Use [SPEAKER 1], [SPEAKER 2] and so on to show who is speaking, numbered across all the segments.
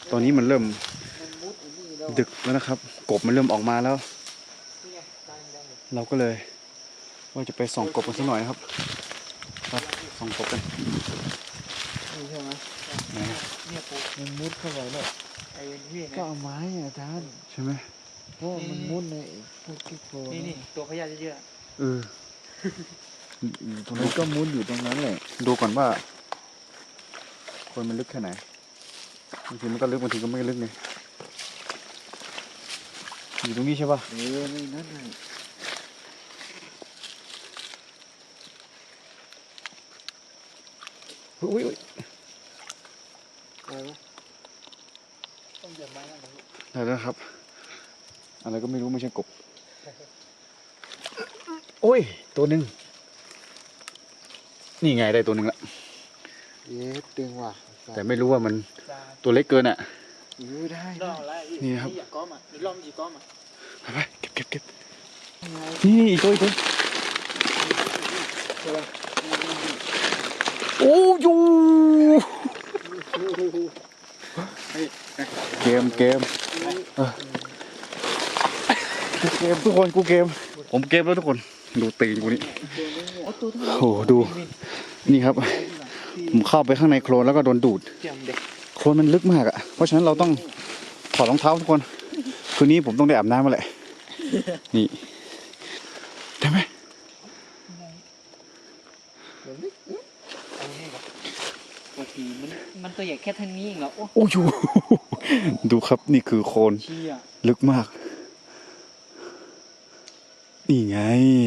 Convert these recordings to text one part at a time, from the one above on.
[SPEAKER 1] ตอนนี้มันเริ่มดึกแล้วนะครับกบมันเริ่มออกมาแล้วเราก็เลยว่าจะไปส่องกบกันสักหน่อยนะครับครับส่องกบกัน
[SPEAKER 2] นี่ใช่ไหมเนี่ยปูมันมุดเข้าไปแล้วไอ้พี่ก็เอาไม้อาจารย์
[SPEAKER 1] ใช่ไหม
[SPEAKER 2] เพราะมันมุดในพวกที่โคลน
[SPEAKER 3] นี่ตัวพญาเยอะ
[SPEAKER 1] ตรง
[SPEAKER 2] มั
[SPEAKER 1] นี้
[SPEAKER 2] นก็มุดอยู่ตรงนั้นแหละ
[SPEAKER 1] ดูก่อนว่าคนมันลึกแค่ไหนบางทีมันก็ลึกบางทีก็ไม่ลึกไงอยู่ตรงนี้ใช่ป่ะ
[SPEAKER 2] นี่นั่นไง
[SPEAKER 1] อุ้ย
[SPEAKER 2] อะไรวะ
[SPEAKER 3] ต้องเดือดไม้แล้ว
[SPEAKER 1] ได้แล้วครับอะไรก็ไม่รู้ไม่ใช่กบโอ้ยตัวหนึ่งนี่ไงได้ตัวหนึ่งละ
[SPEAKER 2] เย้ตึงว่ะ
[SPEAKER 1] แต่ไม่รู้ว่ามันตัวเล็กเกินอ่ะ
[SPEAKER 2] ได้
[SPEAKER 1] นี่ครับ
[SPEAKER 3] อยากก้อมอ่ะล้อมจีก้อมอ่ะ
[SPEAKER 1] ไปเก็บนี่อีกตัวโอ้ยเกมทุกคนกูเกมผมเกมแล้วทุกคนดูตีนกูนี่โอ้ดูนี่ครับผมเข้าไปข้างในโคลนแล้วก็โดนดูดโคลนมันลึกมากอ่ะเพราะฉะนั้นเราต้องถอดรองเท้าทุกคนคืนนี้ผมต้องได้อาบน้ำมาแหละนี่ได้ไหม
[SPEAKER 3] มันตัวใหญ่แค่เท่านี้เองเหรอ
[SPEAKER 1] โอ้ยดูครับนี่คือโคลนลึกมากนี่ไง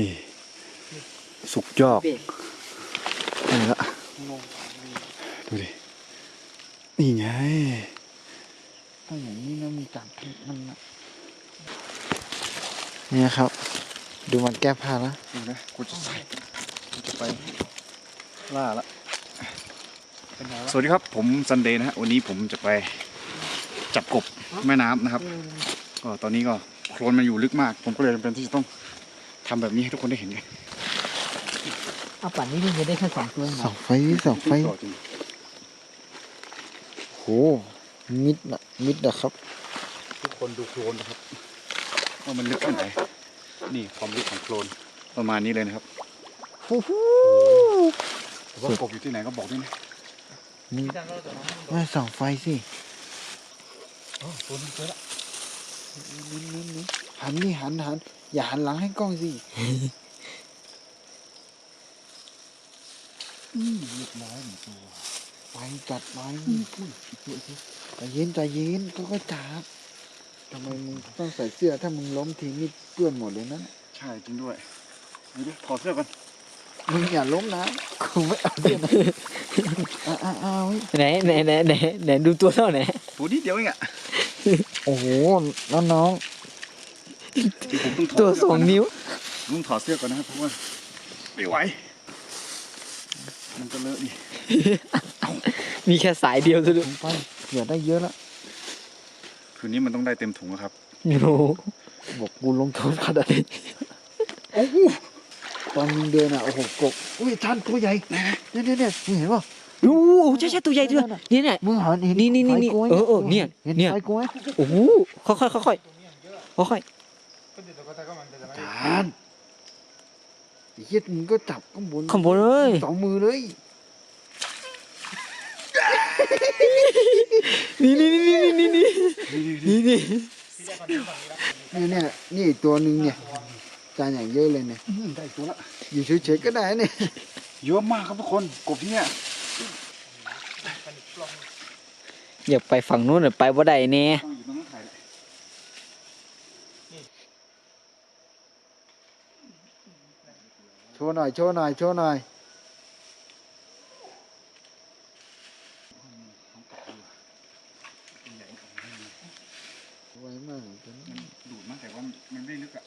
[SPEAKER 1] สุกยอกนี่ละดูดินี่ไง
[SPEAKER 2] ถ้าอย่างนี้นะมีจับมันเนี่ยครับดูมันแก้ผ้านะ
[SPEAKER 1] ดูนะกูจะใส่กูจะไปล่าละสวัสดีครับผมซันเดย์นะฮะวันนี้ผมจะไปจับกบแม่น้ำนะครับก็ตอนนี้ก็โคลนมันอยู่ลึกมากผมก็เลยจำเป็นที่จะต้องทำแบบนี้ให้ทุกคนได้เห็นไง
[SPEAKER 3] เอาป่านนี้มันจะได้แค่2 ตัว
[SPEAKER 2] เสาไฟโหมิดนะครับ
[SPEAKER 1] ทุกคนดูโคลนนะครับว่ามันลึกแค่ไหนนี่ความลึกของโคลนประมาณนี้เลยนะครับว่ากบอยู่ที่ไหนก็บอกด้วยนะ
[SPEAKER 2] ไม่ส่องไฟสิ
[SPEAKER 1] ตัวนี้เจอละ
[SPEAKER 2] หันอย่าหันหลังให้กล้องสิ
[SPEAKER 1] เรียบร้อยหนึ่งตัว
[SPEAKER 2] ไปจัดไปใจเย็นก็จับทำไมมึงต้องใส่เสื้อถ้ามึงล้มทีนี่เปื้อนหมดเลยนะ
[SPEAKER 1] ใช่จริงด้วยดูถอดเสื้อกัน
[SPEAKER 2] มึงอย่าล้มนะกูไม่เอาเสื้อนะ
[SPEAKER 3] ไหนดูตัวเท่าไหน
[SPEAKER 1] ตัวนี้เดียวเองอ่ะ
[SPEAKER 2] โอ้โหน้อง
[SPEAKER 3] ตัว2 นิ้ว
[SPEAKER 1] ลุงถอดเสื้อก่อนนะครับเพราะว่าไม่ไหวมันจะเลอะนี่
[SPEAKER 3] มีแค่สายเดียวซะด้วย
[SPEAKER 2] ไปเหลือได้เยอะแล้ว
[SPEAKER 1] คืนนี้มันต้องได้เต็มถุงครับ
[SPEAKER 3] โอ้
[SPEAKER 2] บอกกูลงทุนขนาดนี้โอ้โหตอนมึงเดินอ่ะโอ้โหกบอุ้ยท่านตัวใหญ่เนี่ยมึงเห็นป่ะ
[SPEAKER 3] ดูใช่ตัวใหญ่ด้วยเนี่ย
[SPEAKER 2] มึงหันเห็น
[SPEAKER 3] นี่เนี่ย
[SPEAKER 2] เนี่ย
[SPEAKER 3] โอ้โหค่อย
[SPEAKER 2] จานเฮียมึงก็จับข้างบน
[SPEAKER 3] เลย
[SPEAKER 2] 2 มือเลย
[SPEAKER 3] นี่
[SPEAKER 2] อีกตัวหนึ่งเนี่ยจานอย่างเยอะเลยเนี่ย
[SPEAKER 1] ได้ตัวละ
[SPEAKER 2] อยู่เฉยๆก็ได้เนี่ย
[SPEAKER 1] เยอะมากครับทุกคนกบที่เนี่ย
[SPEAKER 3] อยากไปฝั่งนู้นไปบ่ได้แน่
[SPEAKER 2] โชว์หน่อยไวมากตัวนี้
[SPEAKER 1] ดูดมากแต่ว่ามันไม่ลึกอ่ะ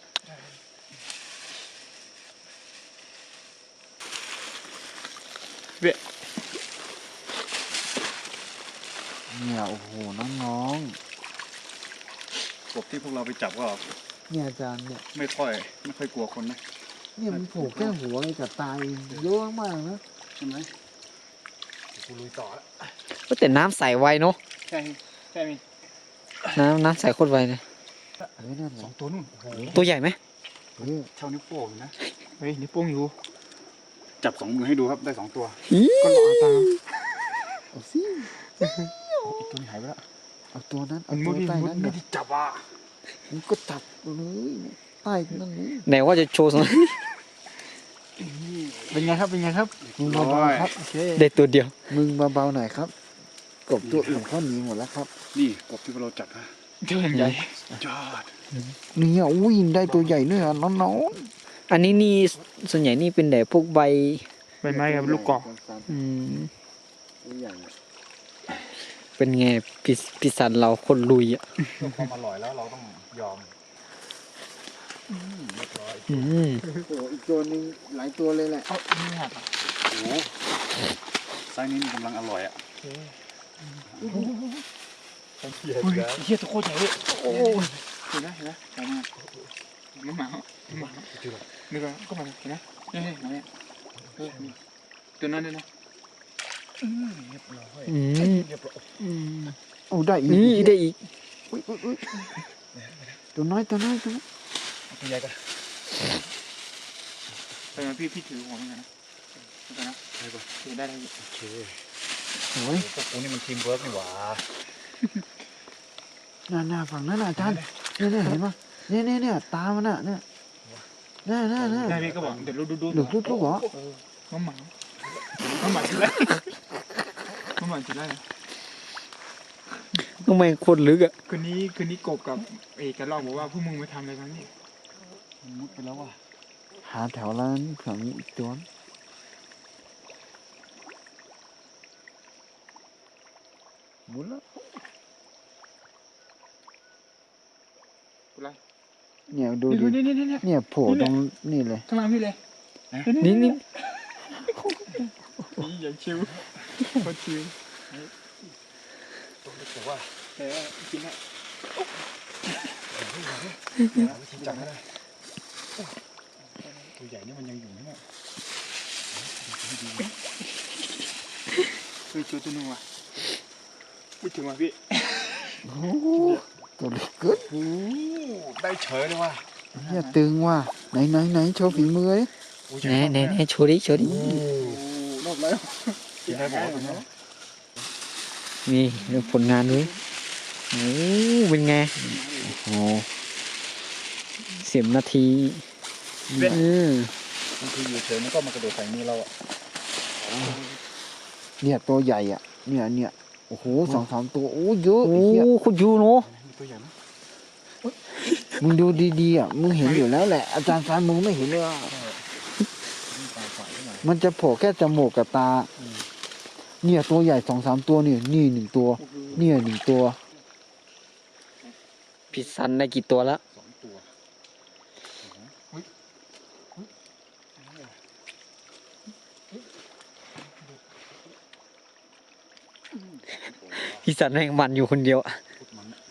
[SPEAKER 2] เนี่ยโอ้โหน้อง
[SPEAKER 1] กบที่พวกเราไปจับก็
[SPEAKER 2] เนี่ยอาจารย์เนี่ย
[SPEAKER 1] ไม่ค่อยกลัวคนนะ
[SPEAKER 2] เนี่ยมันโผล่แค่หัวกับตายเยอะมากนะ
[SPEAKER 1] ใช่ไหมกูลุยต่อแล้ว
[SPEAKER 3] แต่น้ำใสไวเนาะ
[SPEAKER 1] ใช่
[SPEAKER 4] ใช่ไหม
[SPEAKER 3] น้ำใส่โคตรไวเลย
[SPEAKER 2] นั่นแหละ
[SPEAKER 1] 2 ตัวนู่นโอ้โห
[SPEAKER 3] ตัวใหญ่ไหม
[SPEAKER 2] เออ
[SPEAKER 1] เท่านิ้วโป้งนะ
[SPEAKER 4] เฮ้ยนิ้วโป้งอยู่
[SPEAKER 1] จับ2 มือให้ดูครับได้2 ตัว
[SPEAKER 4] ก็รอตาม
[SPEAKER 2] เอาสิ
[SPEAKER 1] อีกตัวนี้หายไปแล้ว
[SPEAKER 2] เอาตัวนั้นเอา
[SPEAKER 4] มุ
[SPEAKER 2] ตัว
[SPEAKER 4] ดดิ
[SPEAKER 2] ใต้
[SPEAKER 4] มุด
[SPEAKER 2] นั้น
[SPEAKER 4] ไม่
[SPEAKER 2] เดี๋ยว
[SPEAKER 4] ได้จับอ่ะ
[SPEAKER 2] มึงก็จับเลยใต้นั่นเลย
[SPEAKER 3] ไหนว่าจะโชว์สัก
[SPEAKER 4] เป็นไงครับเป็นไงครับ
[SPEAKER 2] มึงเบาๆครับ
[SPEAKER 4] โอเค
[SPEAKER 3] ได้ตัวเดียว
[SPEAKER 2] มึงเบาๆหน่อยครับกบตัวอื่นเขาหนีหมดแล้วครับ
[SPEAKER 1] นี่กบที่เราจับนะ
[SPEAKER 4] เจ้าอย่างใหญ่
[SPEAKER 1] ยอด
[SPEAKER 2] เนี่ยอุ้ยได้ตัวใหญ่ด้วยอ่ะน้อง
[SPEAKER 3] อันนี้นี่ส่วนใหญ่นี่เป็นแต่พวกใบ
[SPEAKER 2] ๆ
[SPEAKER 4] ใบไม้กับลูกกอก
[SPEAKER 3] อืม
[SPEAKER 2] ตัวใหญ่อะ
[SPEAKER 3] เป็นไงพิสันเราคนลุยอ่ะ
[SPEAKER 1] เพื่อความอร่อยแล้วเราต้องยอมเรียบร้อย
[SPEAKER 3] อืม
[SPEAKER 2] โอ้โหอีกตัวหนึงหลายตัวเลยแหละ
[SPEAKER 4] เอ้าไม่หักอ่ะ
[SPEAKER 1] โอ้โหไซส์นี้มันกำลังอร่อยอ่ะ
[SPEAKER 4] โอเคอุ้ยเฮียตัวโคตรใหญ่เลยโอ้ยเห็นไหมเห็นไหมใหญ่มากน้ำหมาน้ำหมานี่ก็มาเห็นไหมนี่มาเนี่ยตัวนั้นด้วยนะ
[SPEAKER 3] อืม
[SPEAKER 2] อืมโอ้ได้อีก
[SPEAKER 3] นี่ได้อีก
[SPEAKER 2] อุ๊ยตัวน้อยตัวน้อยตัวน้อย
[SPEAKER 1] ตัวใหญ่กัน
[SPEAKER 4] เป็นไงพี่ถือหัวมันกันนะนะถือได้เลย
[SPEAKER 1] โอเค
[SPEAKER 2] โอ้ย
[SPEAKER 1] พวกกูนี่มันทีมเวิร์กนี่หว่า
[SPEAKER 2] หน้าฝั่งนั้นน่ะอาจารย์เนี่ยเห็นปะเนี่ยตามันน่ะเนี่ยน่า
[SPEAKER 4] ได้พี่ก็บอกเดี๋ยวดู
[SPEAKER 2] หรือลูกเหรอ
[SPEAKER 4] น้ำหมาถือได้น้ำหมาถือได้
[SPEAKER 3] ทำไมโคตรลึกอ่ะ
[SPEAKER 4] คืนนี้กบกับเอกกันลอกบอกว่าพวกมึงไปทำอะไรกันนี่
[SPEAKER 1] มุดไปแล้วว่ะ
[SPEAKER 2] หาแถวร้านแถวนี้อีกตัวหมุนแล้ว
[SPEAKER 4] อะไร
[SPEAKER 2] เนี่ยดูดิ
[SPEAKER 4] นี่
[SPEAKER 2] เนี่ยโผล่ตรงนี่เลย
[SPEAKER 4] ข้างล่างพี่เลย
[SPEAKER 3] นี่
[SPEAKER 4] นี่อย่างชิวโคตรชิว
[SPEAKER 1] ตัวเล็กแต่ว่า
[SPEAKER 4] แต่กินได้
[SPEAKER 1] วิธีจับให้ได้ตัวใหญ่นี่มันยังอยู่นะเนี่ย
[SPEAKER 4] เฮ้ยตัวนึงว่ะพูดถึงว่ะพี่
[SPEAKER 2] โอ้โหตัวเล็กเกิน
[SPEAKER 1] โอ้ได้เฉยเลยว่ะ
[SPEAKER 2] เนี่ยตึงว่ะไหนโชว์ฝีมือดิ
[SPEAKER 3] ไหนโชว์ดิโชว์ดิ
[SPEAKER 4] รอบแล้ว
[SPEAKER 1] กินได้บอกว่า
[SPEAKER 3] นี่เรื่องผลงานด้วยโอ้เป็นไง
[SPEAKER 2] โอ้
[SPEAKER 3] 10 นาที
[SPEAKER 1] บางทีอยู่เฉยมันก็มากระโดดใส่มือเราอ่ะ
[SPEAKER 2] เนี่ยตัวใหญ่อ่ะเนี่ยโอ้โห2-3ตัวโอ้เยอะ
[SPEAKER 3] โอ้
[SPEAKER 2] ไอ้เหี้ย
[SPEAKER 3] คุณยูเนาะ
[SPEAKER 1] มีตัวใหญ่ไหม
[SPEAKER 2] มึงดูดีๆอ่ะมึงเห็นอยู่แล้วแหละอาจารย์ฟ้ามึงไม่เห็นเลยอ่ะ
[SPEAKER 1] มีปลาฝ่ายขึ้นมา
[SPEAKER 2] มันจะโผล่แค่จมูกกับตา เนี่ยตัวใหญ่2-3ตัวนี่1ตัวเนี่ย1ตัว
[SPEAKER 3] พิสันได้กี่ตัวแล้ว
[SPEAKER 1] 2 ตัว
[SPEAKER 3] พิสันแม่งมันอยู่คนเดียวอะ
[SPEAKER 1] พุดมันอะ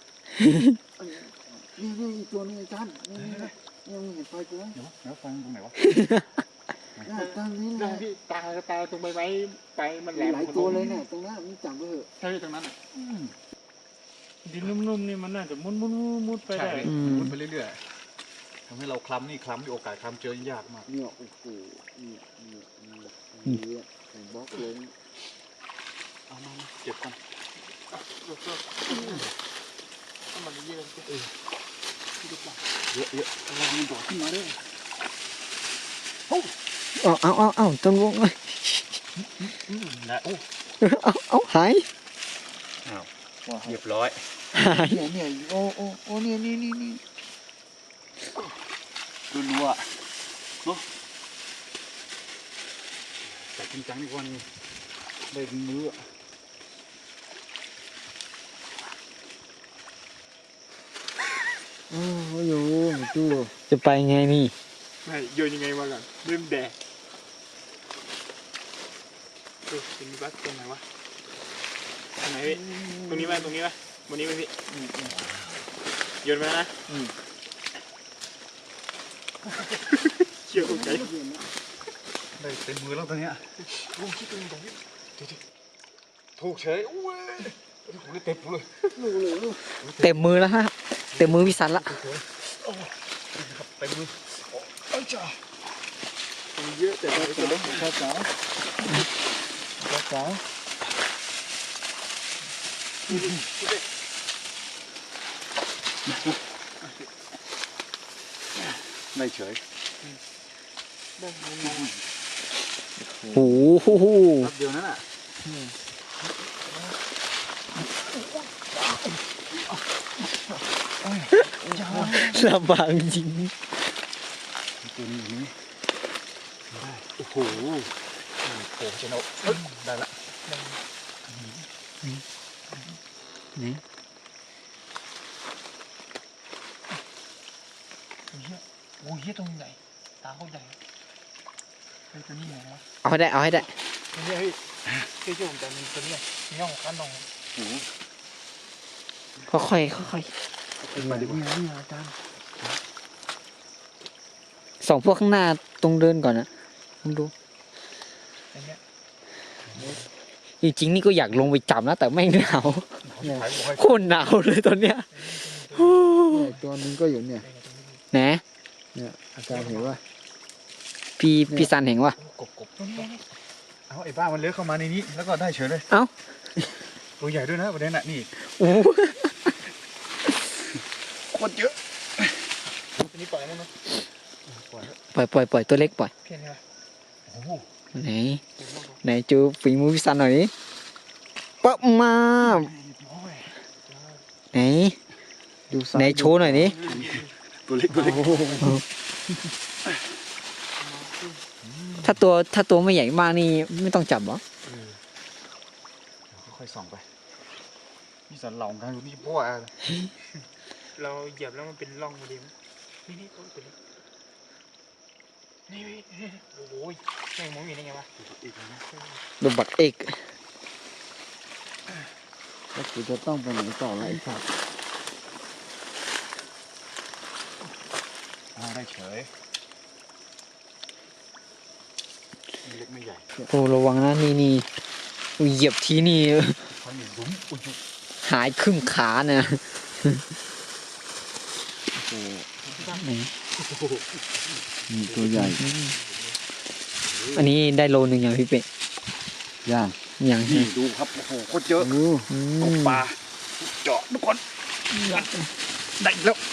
[SPEAKER 2] นี่อีกตัวนึงอาจารย์นี่มึงเห็นไฟกูไหม
[SPEAKER 1] เดี๋ยวฟังตรงไหนวะ
[SPEAKER 2] ตรงนี้แห
[SPEAKER 4] ได้
[SPEAKER 2] ละ
[SPEAKER 4] พี่ตาตรงใบไม้ไปมันแหลม
[SPEAKER 2] หลายตัวเลยเนี่ยตรงนั้นมึงจับไปเถอะ
[SPEAKER 4] ใช่ตรงนั้นดินนุ่มๆนี่มันน่าจะมุดไป
[SPEAKER 1] ใช่
[SPEAKER 4] ได้
[SPEAKER 1] มุดไปเรื่อยๆทำให้เราคล้ำนี่โอกาสคล้ำเจอยากมาก
[SPEAKER 2] เนี่ยโอ้โหเนี่ยใส่บล็อกลง
[SPEAKER 1] เอามาเก็บก่อน
[SPEAKER 4] ถ้ามันเยอะ
[SPEAKER 1] เยอะเรามันโดดขึ้นมาด้วย
[SPEAKER 3] เอาต้นวง
[SPEAKER 1] นะโอ้
[SPEAKER 3] เอาหาย
[SPEAKER 1] เรียบร้อย
[SPEAKER 2] เนี่ยโอ้เนี่ยนี่
[SPEAKER 1] รัวๆเนาะแต่จริงจังดีกว่านี่ได้มื้อ
[SPEAKER 2] โอ้โหตู้
[SPEAKER 3] จะไปไงนี่
[SPEAKER 4] ไม่โยนยังไงมาก่อนเริ่มแดกเป็นบัสตรงไหนวะตรงไหนพี่ตรงนี้ไหมบนนี้ไหมพี่โยนไปแล้วนะเชี่ยวใจ
[SPEAKER 1] ได้เต็มมือแล้วตอนเนี้ยถูกเฉยอุ้ย
[SPEAKER 4] เต็มเลย
[SPEAKER 3] เต็มมือแล้วฮะเต็มมือพี่สันละ
[SPEAKER 1] เต็มมือ
[SPEAKER 2] เยอะแต่เราจะต้องช้าช้าช้า
[SPEAKER 1] ไม่เฉย
[SPEAKER 3] โอ้โห
[SPEAKER 1] แป๊บเดียวนั่นอ่ะ
[SPEAKER 3] ลำบากจริง
[SPEAKER 1] ตัวนี้อยู่นี่ได้โอ้โหโอ้โหเจนเอาได้ละ
[SPEAKER 3] นี่
[SPEAKER 4] โอ้ยเฮียตรงใหญ่ตาเขาใหญ่ตัวนี้ใหญ่นะ
[SPEAKER 3] เอาให้ได้เอาให้ได้
[SPEAKER 4] ตัวนี้เฮ้ยเชื่อผมแต่มีตัวนี้มีน่องข้างน่อง
[SPEAKER 1] โอ้โห
[SPEAKER 3] ค่อยๆค่อย
[SPEAKER 1] มาดีกว่า
[SPEAKER 2] นี่อาจารย์
[SPEAKER 3] ๆส่องพวกข้างหน้าตรงเดินก่อนนะลองดู
[SPEAKER 4] อันเนี้ย
[SPEAKER 3] จริงๆนี่ก็อยากลงไปจับนะแต่ไม่หนาวโคตรหนาวเลยตอนเนี้ย
[SPEAKER 2] เนี่ยตัวนึงก็อยู่เนี่ย
[SPEAKER 3] ไหน
[SPEAKER 2] เนี่ยอาจารย์เห็นว่า
[SPEAKER 3] พี่ซันเห็นวะ
[SPEAKER 1] กบเอาไอ้บ้ามันเลื้อยเข้ามาในนี้แล้วก็ได้เฉยเลย
[SPEAKER 3] เอ้า
[SPEAKER 1] ตัวใหญ่ด้วยนะประเด็นน่ะนี่
[SPEAKER 3] โอ้
[SPEAKER 1] โคตรเยอะ
[SPEAKER 4] ตัวนี้ปล่อยได้ไหม
[SPEAKER 3] ปล่อยตัวเล็กปล่อย
[SPEAKER 4] เพี้ยนใช่ไหม
[SPEAKER 1] โอ้โห
[SPEAKER 3] ไหนจูฝีมือพี่ซันหน่อยดิปั๊บมาไหน
[SPEAKER 2] ดู
[SPEAKER 3] ไหนโชว์หน่อยดิ
[SPEAKER 1] ตัวเล็กตัวเล็ก
[SPEAKER 3] ถ้าตัวไม่ใหญ่มากนี่ไม่ต้องจับเหรอ
[SPEAKER 1] ค่อยๆส่องไปนี่สันเหล่ากันอยู่นี่พ่ออะ
[SPEAKER 4] เราเหยียบแล้วมันเป็นร่องพอดีมั้ยนี่ตัวนี้นี่โอ้โหแม่งมองเห็นได้ไงวะ
[SPEAKER 1] อีกแล้วนะ
[SPEAKER 3] ดูบักเอก
[SPEAKER 2] แล้วกูจะต้องไปไหนต่อละไอ้สัตว์
[SPEAKER 1] ได้เฉยไม่เล็กไม่ใหญ่
[SPEAKER 3] โอ้ระวังนะนี่เหยียบทีนี่
[SPEAKER 1] เขาหนีลุ้มอุ้ย
[SPEAKER 3] หายครึ่งขาเนี่ย
[SPEAKER 2] โอ้
[SPEAKER 3] ไหน
[SPEAKER 2] นี่ตัวใหญ่
[SPEAKER 3] อันนี้ได้โลนึงอย่างพี่เป็ด
[SPEAKER 2] ย่าง
[SPEAKER 3] อย่าง
[SPEAKER 1] นี่ดูครับโอ้โหโคตรเยอะ
[SPEAKER 2] โอ้
[SPEAKER 1] ตกปลาเจาะทุกคนได้อีกแล้ว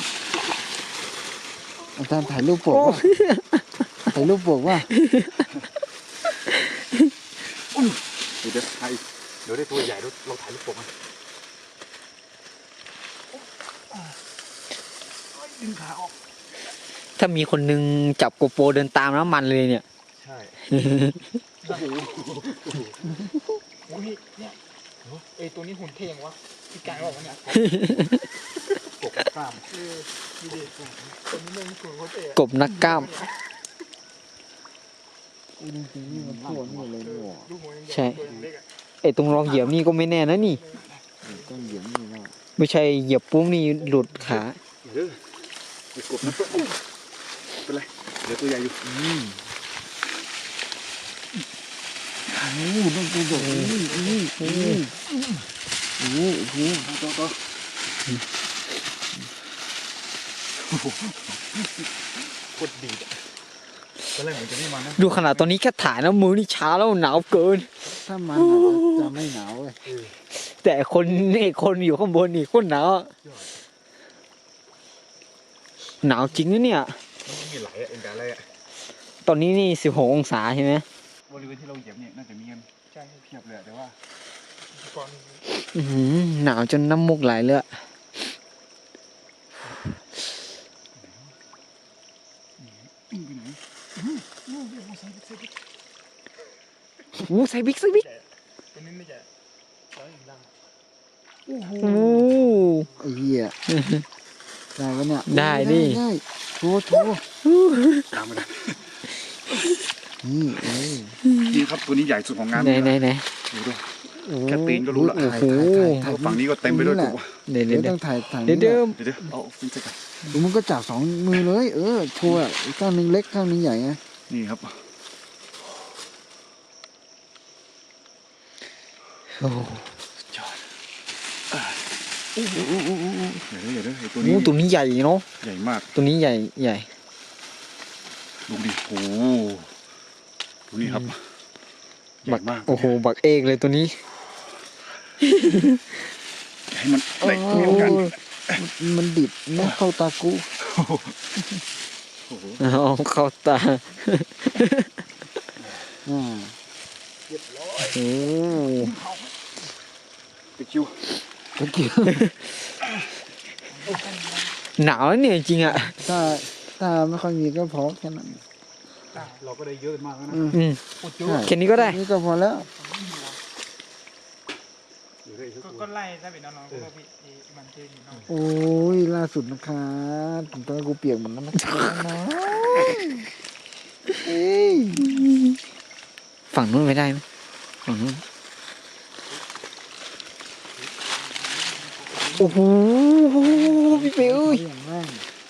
[SPEAKER 2] อาจารย์ถ่ายรูปปกว่าถ่ายรูปปกว่า
[SPEAKER 1] เดี๋ยวถ่ายเดี๋ยวได้ตัวใหญ่เราถ่ายรูปปกมันดึงขาออก
[SPEAKER 3] ถ้ามีคนนึงจับโกโปรเดินตามแล้วมันเลยเนี่ย
[SPEAKER 1] ใช่
[SPEAKER 4] โอ้ยเนี่ยเอ้ตัวนี้หุ่นเท่งวะพี่กายบอกว่าเนี่ย
[SPEAKER 1] ปกกล้าม
[SPEAKER 4] ดูดิตัวนี้มันหุ่นเขาเท่
[SPEAKER 3] กบนักกล้าม
[SPEAKER 2] จริงๆนี่มันทั่วนี่เลยนี่หว่า
[SPEAKER 4] ดูหัวยัง
[SPEAKER 3] ใช่
[SPEAKER 4] ตัวเล็กอ่ะ
[SPEAKER 3] ไอ้ตรงรองเหยียบนี่ก็ไม่แน่นะนี่
[SPEAKER 2] ต้องเหยียบนี่แล้ว
[SPEAKER 3] ไม่ใช่เหยียบปุ๊บนี่หลุดขา
[SPEAKER 1] เดี๋ยวไปกบนะตัวเป็นไรเดี๋ยวตัวใหญ่อยู่
[SPEAKER 2] โอ้ต้องกระโดดนี่โอ้โห
[SPEAKER 1] ตัวโคตรดีอ่ะตอนแรกเหมือนจะไม่มานะ
[SPEAKER 3] ดูขนาดตอนนี้แค่ถ่ายนะมือนี่ช้าแล้วหนาวเกิน
[SPEAKER 2] ถ้ามันอาจจะไม่หนาวเลย
[SPEAKER 3] แต่คนอยู่ข้างบนนี่โคตรหนาวอะหนาวจริงนะเนี่ย
[SPEAKER 1] มันมีไหลอ่ะเอ็นกาอะไรอ่ะ
[SPEAKER 3] ตอนนี้นี่16 องศาใช่ไหม
[SPEAKER 1] บริเวณที่เราเหยียบเนี่ยน่าจะมีกัน
[SPEAKER 4] ใช่
[SPEAKER 1] เพียบเลยแต่ว่า
[SPEAKER 4] ก่อน
[SPEAKER 3] อื้อหือหนาวจนน้ำมูกไหลเลยอะ
[SPEAKER 1] ปิ้งไปไหน
[SPEAKER 3] โอ้ใส่บิ๊ก
[SPEAKER 4] ตัวนี้ไม่ใช่ร้อยอย่างดัง
[SPEAKER 3] โอ้
[SPEAKER 2] ไอ้เหี้ยได้ปะเนี่ย
[SPEAKER 3] ได้ดิ
[SPEAKER 2] ได้โชว์
[SPEAKER 1] ตามมาเลย
[SPEAKER 2] นี่
[SPEAKER 1] นี่ครับตัวนี้ใหญ่สุดของงาน
[SPEAKER 3] ไหน
[SPEAKER 1] ดูด้วย
[SPEAKER 3] โอ้
[SPEAKER 1] แค่ตีนก็รู้ละ
[SPEAKER 3] โอ้โห
[SPEAKER 1] แล้วฝั่งนี้ก็เต็มไปด้วยกบ
[SPEAKER 3] เดี๋ยว
[SPEAKER 2] เดี๋ยวต้องถ่าย
[SPEAKER 3] เดี๋ยว
[SPEAKER 1] เดี๋ยวเอาฟินใส่กัน
[SPEAKER 2] ดูมันก็จับสองมือเลย โชว์อ่ะอีกข้างหนึงเล็กข้างหนึงใหญ่ไง
[SPEAKER 1] นี่ครับ
[SPEAKER 3] โอ้
[SPEAKER 1] จอดอย่าเด้อไอ้ตัว
[SPEAKER 3] โอ้
[SPEAKER 1] นี้
[SPEAKER 3] ตัวนี้ใหญ่เนาะ
[SPEAKER 1] ใหญ่มาก
[SPEAKER 3] ตัวนี้ใหญ่ใหญ่
[SPEAKER 1] ดูดิโอ้ดูนี่ครับใหญ่
[SPEAKER 3] บัก
[SPEAKER 1] มาก
[SPEAKER 3] โอ้โหบักเอกเลยตัวนี้
[SPEAKER 1] ให้มันได้มีโอกาส
[SPEAKER 2] มันดิบนะเข้าตากู
[SPEAKER 1] โอ้โห
[SPEAKER 3] เอาเข้าตา
[SPEAKER 2] อ่า
[SPEAKER 3] โอ้
[SPEAKER 1] ไปคิว
[SPEAKER 2] ตะเกียบ
[SPEAKER 3] หนาวแล้วเนี่ยจริงอ่ะ
[SPEAKER 2] ถ้าไม่ค่อยมีก็พอแค่นั้น
[SPEAKER 1] เราก็ได้เยอะมากแล้วนะ
[SPEAKER 3] อืม
[SPEAKER 2] ใช่
[SPEAKER 3] แค่นี้ก็ได้
[SPEAKER 2] นี่ก็พอแล้ว
[SPEAKER 4] ก็ไล่ถ้าเป็นน้องๆก็พี่มันเท่อยู่น้อง
[SPEAKER 2] โอ้ยล่าสุดนะครับตอนนนกูเปียกหมดแล้วนะครับน้องเอ้ย
[SPEAKER 3] ฝั่งนู้นไม่ได้ไหมฝั่งนู้นโอ้โหพี่เป๋เอ้ย
[SPEAKER 2] อย่างแม่ง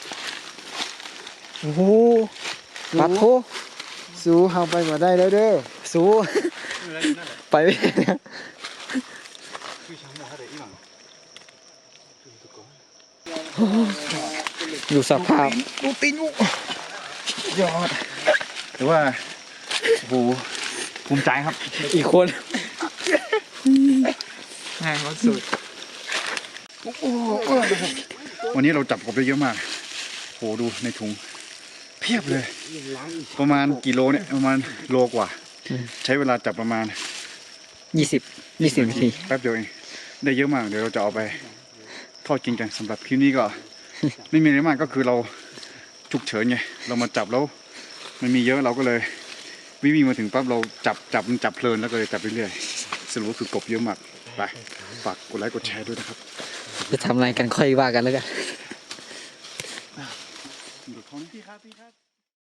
[SPEAKER 3] โอ้โหปัดโท
[SPEAKER 2] สู้เฮาไปกว่าได้แล้วเด้อ
[SPEAKER 3] สู้ไปไม่ได้นะอยู่สภาพ
[SPEAKER 1] ดูตีนกูยอดแต่ว่าโอ้โหภูมิใจครับ
[SPEAKER 3] อีกคน
[SPEAKER 4] งานเขาสุด
[SPEAKER 1] วันนี้เราจับกบได้เยอะมากโหดูในถุงเพียบเลย ประมาณกี่โลเนี่ยประมาณโลกว่า ใช้เวลาจับประมาณ
[SPEAKER 3] 20 นาที
[SPEAKER 1] แป๊บเดียวเองได้เยอะมากเดี๋ยวเราจะเอาไปทอดกินกันสำหรับคลิปนี้ก็ ไม่มีอะไรมากก็คือเราฉุกเฉินไงเรามาจับแล้วมันมีเยอะเราก็เลยวิ่งมาถึงปั๊บเราจับเพลินแล้วก็เลยจับเรื่อยๆสรุปก็คือกบเยอะมากไปฝากกดไลค์กดแชร์ด้วยนะครับ
[SPEAKER 3] จะทำอะไรกันค่อยว่ากันแล้วกัน
[SPEAKER 1] ดูเขานี่พี่ครับ